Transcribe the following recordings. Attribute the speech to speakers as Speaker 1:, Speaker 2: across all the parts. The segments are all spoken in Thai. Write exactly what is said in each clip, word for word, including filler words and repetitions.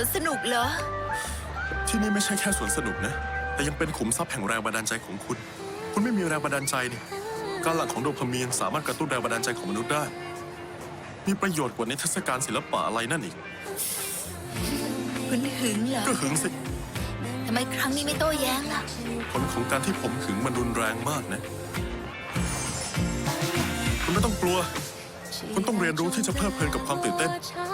Speaker 1: วนสนุกเหรอ
Speaker 2: ที่นี่ไม่ใช่แค่สวนสนุกนะแต่ยังเป็นขุมทรัพย์แห่งแรงบันดาลใจของคุณคุณไม่มีแรงบันดาลใจนี่การหลั่งของโดพามีนสามารถกระตุ้นแรงบันดาลใจของมนุษย์ได้มีประโยชน์กว่าในเทศกาลศิลปะอะไรนั่นอีก
Speaker 1: คุณหึงเหรอ
Speaker 2: ก็หึงสิ
Speaker 1: ทำไมครั้งนี้ไม่โต้แย้งล่ะ
Speaker 2: ผลของการที่ผมหึงมันรุนแรงมากนะคุณไม่ต้องกลัวคุณต้องเรียนรู้ที่จะเพลิดเพลินกับความตื่นเต้น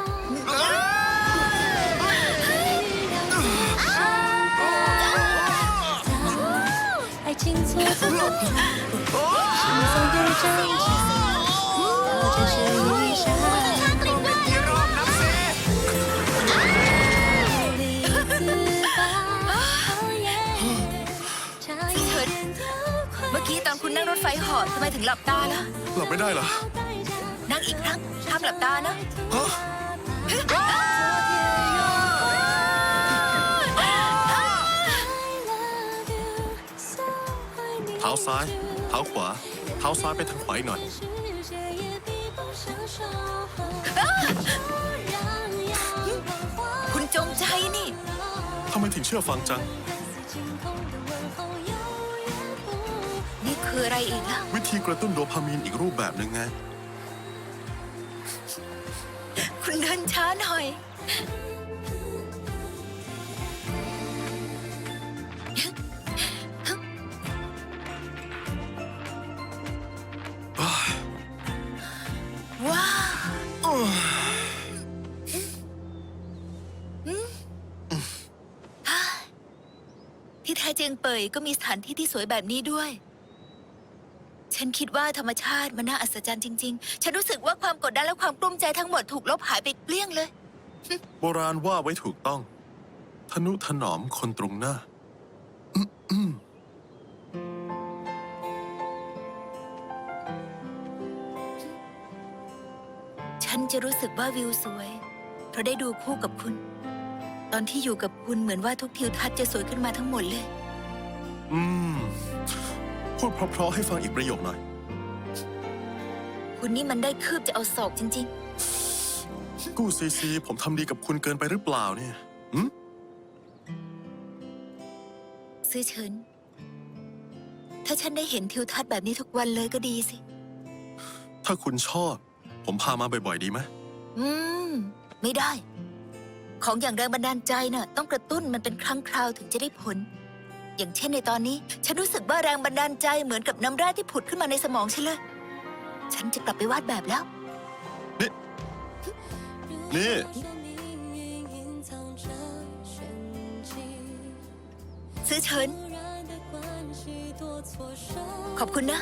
Speaker 1: เมื่อกี้ตอนคุณนั่งรถไฟเหาะทำไมถึงหลับตาล่ะ
Speaker 2: หลับไม่ได้เหรอ
Speaker 1: นั่งอีกครั้งห้ามหลับตานะ
Speaker 2: เท้าซ้ายเท้าขวาเท้าซ้ายไปทางขวาอีกหน่อย
Speaker 1: คุณจงใจนี่
Speaker 2: ทำไมถึงเชื่อฟังจัง
Speaker 1: นี่คืออะไรอีกล่ะ
Speaker 2: วิธีกระตุ้นโดพามีนอีกรูปแบบหนึ่งไง
Speaker 1: คุณเดินช้าหน่อยว้าวที่แท้เจียงเป่ยก็มีสถานที่ที่สวยแบบนี้ด้วยฉันคิดว่าธรรมชาติมันน่าอัศจรรย์จริงๆฉันรู้สึกว่าความกดดันและความกลุ้มใจทั้งหมดถูกลบหายไปเกลี้ยงเลย
Speaker 2: โบราณว่าไว้ถูกต้องทนุถนอมคนตรงหน้า
Speaker 1: ฉันจะรู้สึกว่าวิวสวยเพราะได้ดูคู่กับคุณตอนที่อยู่กับคุณเหมือนว่าทุกทิวทัศน์จะสวยขึ้นมาทั้งหมดเลย
Speaker 2: อืมพูดเพราะๆให้ฟังอีกประโยคหน่อย
Speaker 1: คุณนี่มันได้คืบจะเอาศอกจริง
Speaker 2: ๆกู้ซีซีผมทำดีกับคุณเกินไปหรือเปล่าเนี่ยหืม
Speaker 1: ซื่อเฉินถ้าฉันได้เห็นทิวทัศน์แบบนี้ทุกวันเลยก็ดีสิ
Speaker 2: ถ้าคุณชอบผมพามาบ่อยๆดีไหม
Speaker 1: อืมไม่ได้ของอย่างแรงบันดาลใจน่ะต้องกระตุ้นมันเป็นครั้งคราวถึงจะได้ผลอย่างเช่นในตอนนี้ฉันรู้สึกว่าแรงบันดาลใจเหมือนกับน้ำแร่ที่ผุดขึ้นมาในสมองฉันเลยฉันจะกลับไปวาดแบบแล้ว
Speaker 2: นี่นี่
Speaker 1: ซื่อเฉินขอบคุณนะ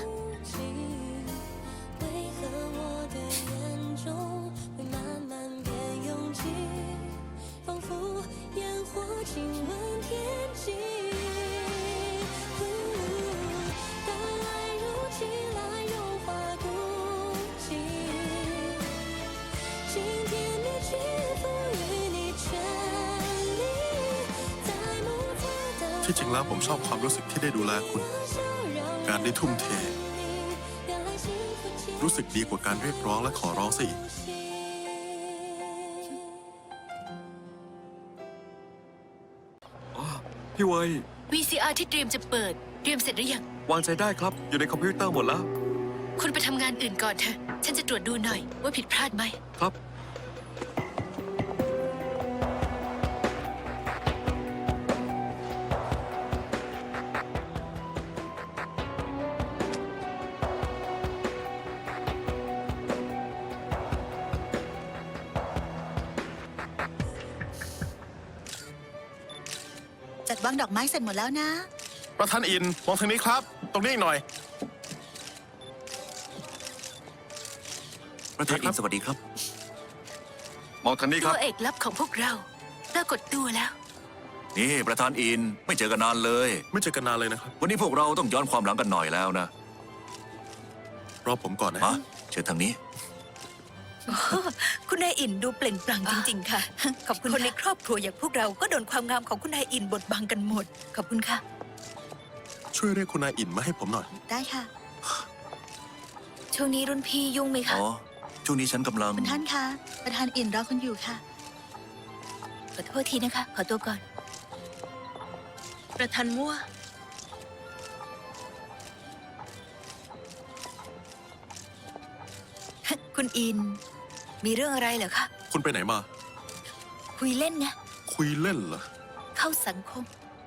Speaker 2: ที่จริงแล้วผมชอบความรู้สึกที่ได้ดูแลคุณการได้ทุ่มเทรู้สึกดีกว่าการเรียกร้องและขอร้องซะอีก
Speaker 3: พี่เวย
Speaker 1: วี ซี อาร์ ที่เตรียมจะเปิดเตรียมเสร็จหรือยัง
Speaker 3: วางใจได้ครับอยู่ในคอมพิวเตอร์หมดแล้ว
Speaker 1: คุณไปทำงานอื่นก่อนเถอะฉันจะตรวจดูหน่อยว่าผิดพลาดไหม
Speaker 3: ครับ
Speaker 4: จัดวางดอกไม้เสร็จหมดแล้วนะ
Speaker 2: ประธานอินมองทางนี้ครับตรงนี้อีกหน่อย
Speaker 3: ประธานอินสวัสดีครับมองทางนี้ครับ
Speaker 1: ตัวเอกลับของพวกเราปรากฏตัวแล้ว
Speaker 3: นี่ประธานอินไม่เจอกันนานเลย
Speaker 2: ไม่เจอกันนานเลยนะครับ
Speaker 3: วันนี้พวกเราต้องย้อนความหลังกันหน่อยแล้วนะ
Speaker 2: รอผมก่อนนะ
Speaker 3: เชิญทางนี้
Speaker 1: คุณนายอินดูเปล่งปลั่งจริงๆค่ะขอบคุณคนในครอบครัวอย่างพวกเราก็โดนความงามของคุณนายอินบดบังกันหมดขอบคุณค่ะ
Speaker 2: ช่วยเรียกคุณนายอินมาให้ผมหน่อย
Speaker 4: ได้ค่ะ
Speaker 1: ช่วงนี้รุ่นพี่ยุ่งไหมคะ
Speaker 3: อ๋อช่วงนี้ฉันกำลัง
Speaker 4: คุณท่านคะประธานอินรอคุณอยู่ค่ะ
Speaker 1: ขอโทษทีนะคะ ขอตัวก่อน
Speaker 5: ประธานมั่ว
Speaker 1: คุณอิน มีเรื่องอะไรเหรอคะ
Speaker 2: คุณไปไหนมา
Speaker 1: คุยเล่นไง
Speaker 2: คุยเล่นเหรอ
Speaker 1: เข้าสังคม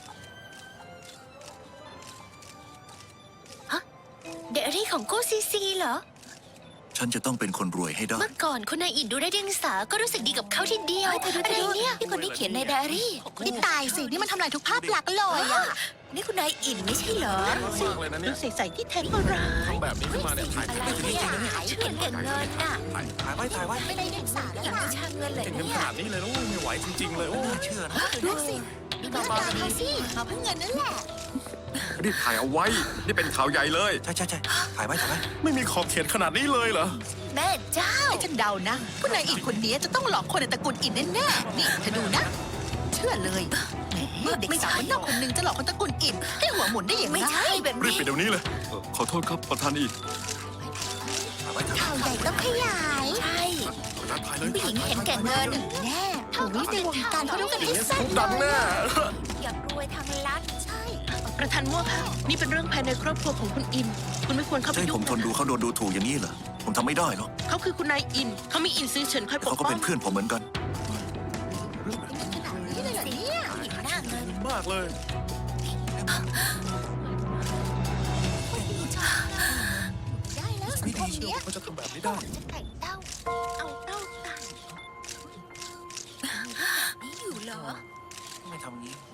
Speaker 5: เดอารี่ของโกซีซีเหรอ
Speaker 6: ฉันจะต้องเป็นคนรวยให้ได้
Speaker 5: เมื่อก่อนคุณนายอินดูได้เดียงสาก็รู้สึกดีกับเขาทีเดียว
Speaker 1: เฮ้ยเธอดู
Speaker 5: อะ
Speaker 1: เธอ
Speaker 5: ไร
Speaker 1: ดู
Speaker 5: เนี่ย
Speaker 1: นี่คนที่เขียนในไดอารี่
Speaker 4: นี่ตายสิ นี่มันทำลายทุกภาพลักษณ์เลยอะ
Speaker 1: นี่คุณนายอินไม่ใช่เหรอ
Speaker 2: มากเลยนะเนี่ย
Speaker 5: ใส่ๆที่แท้ก็ร้าย
Speaker 2: แบบนี้ขึ้นมาเนี่ยถ่าย
Speaker 1: อะไรเนี่ยเขียนเก่งเงินน่ะ
Speaker 6: ถ่ายไว้ถ่ายไว้
Speaker 4: ไม่ได้เด็กสาแล้ว
Speaker 1: อย่าง
Speaker 4: นะ
Speaker 1: วิชาเงินเลย
Speaker 2: เก่งเงิน
Speaker 1: เนี่
Speaker 2: ข
Speaker 1: ย
Speaker 2: นาดนี้เลยนะโอ้ไม่ไหวจริงๆเลยโอ้
Speaker 6: น่าเชื่อนะ
Speaker 4: ดูสิดูหน้าตาเขาสิมาเพื่อเงินนั่นแหละ
Speaker 3: รีบถ่ายเอาไว้ นี่เป็นข่าวใหญ่เลย
Speaker 6: ใช่ใช่ใช่ถ่ายไว้ถ่ายไว้
Speaker 2: ไม่มีขอบเขตขนาดนี้เลยเหรอ
Speaker 1: แม่เจ้า
Speaker 4: ให้ฉันเดานะผู้นายอินคนนี้จะต้องหลอกคนในตระกูลอินแน่ๆนี่เธอดูนะ เชื่อเลยแหมเด็กสาวคนนอกคนหนึงจะหลอกคนตระกูลอินให้หัวหมุนได้อย่าง
Speaker 1: ไม่
Speaker 4: ไร
Speaker 1: ใช่แบบ
Speaker 2: รีบ
Speaker 1: นี้
Speaker 2: ไปเดี๋ยวนี้เลย
Speaker 3: เอ่อขอโทษครับประธานอิน
Speaker 6: ถ่ายไว้ถ่ายไว้
Speaker 4: ข่าวใหญ่ต้องขยาย
Speaker 1: ใช่
Speaker 2: ถ่ายเลย
Speaker 1: ผู้หญิงเห็นแก่เงิน
Speaker 4: แน่โอ้ยในวงการเขารู้กันให้สั้น
Speaker 2: ดังแน่
Speaker 1: อยากรวยทางลัดใช่
Speaker 5: ประธานมั่วค่ะนี่เป็นเรื่องภายในครอบครัวของคุณอิน คุณไม่ควรเข้าไป
Speaker 6: จะให้
Speaker 5: ยุ่
Speaker 6: ผ
Speaker 5: ง
Speaker 6: มทนดูเขาโดนดูถูกอย่างนี้เหรอ ผมทำไม่ได้หรอก
Speaker 5: เขาคือคุณนายอิน เขามีอินซื้อเฉินคอยปก
Speaker 6: เขาก็
Speaker 5: ป้อ
Speaker 6: เป็
Speaker 5: ง
Speaker 6: นเพื่อนผมเหมือนกัน
Speaker 4: ขนาดนี้เลยเหรอเนี่ย
Speaker 1: ผู้หญิงหน้าเงิน
Speaker 2: มากเลย
Speaker 4: ได้แล้วสังคมเนี้ย
Speaker 2: เขาจะทำแบบนี้ได้
Speaker 1: จะแต่งเต้า เอาเต้าตันนี่อยู่เหรอ
Speaker 6: ไม่ทำงี้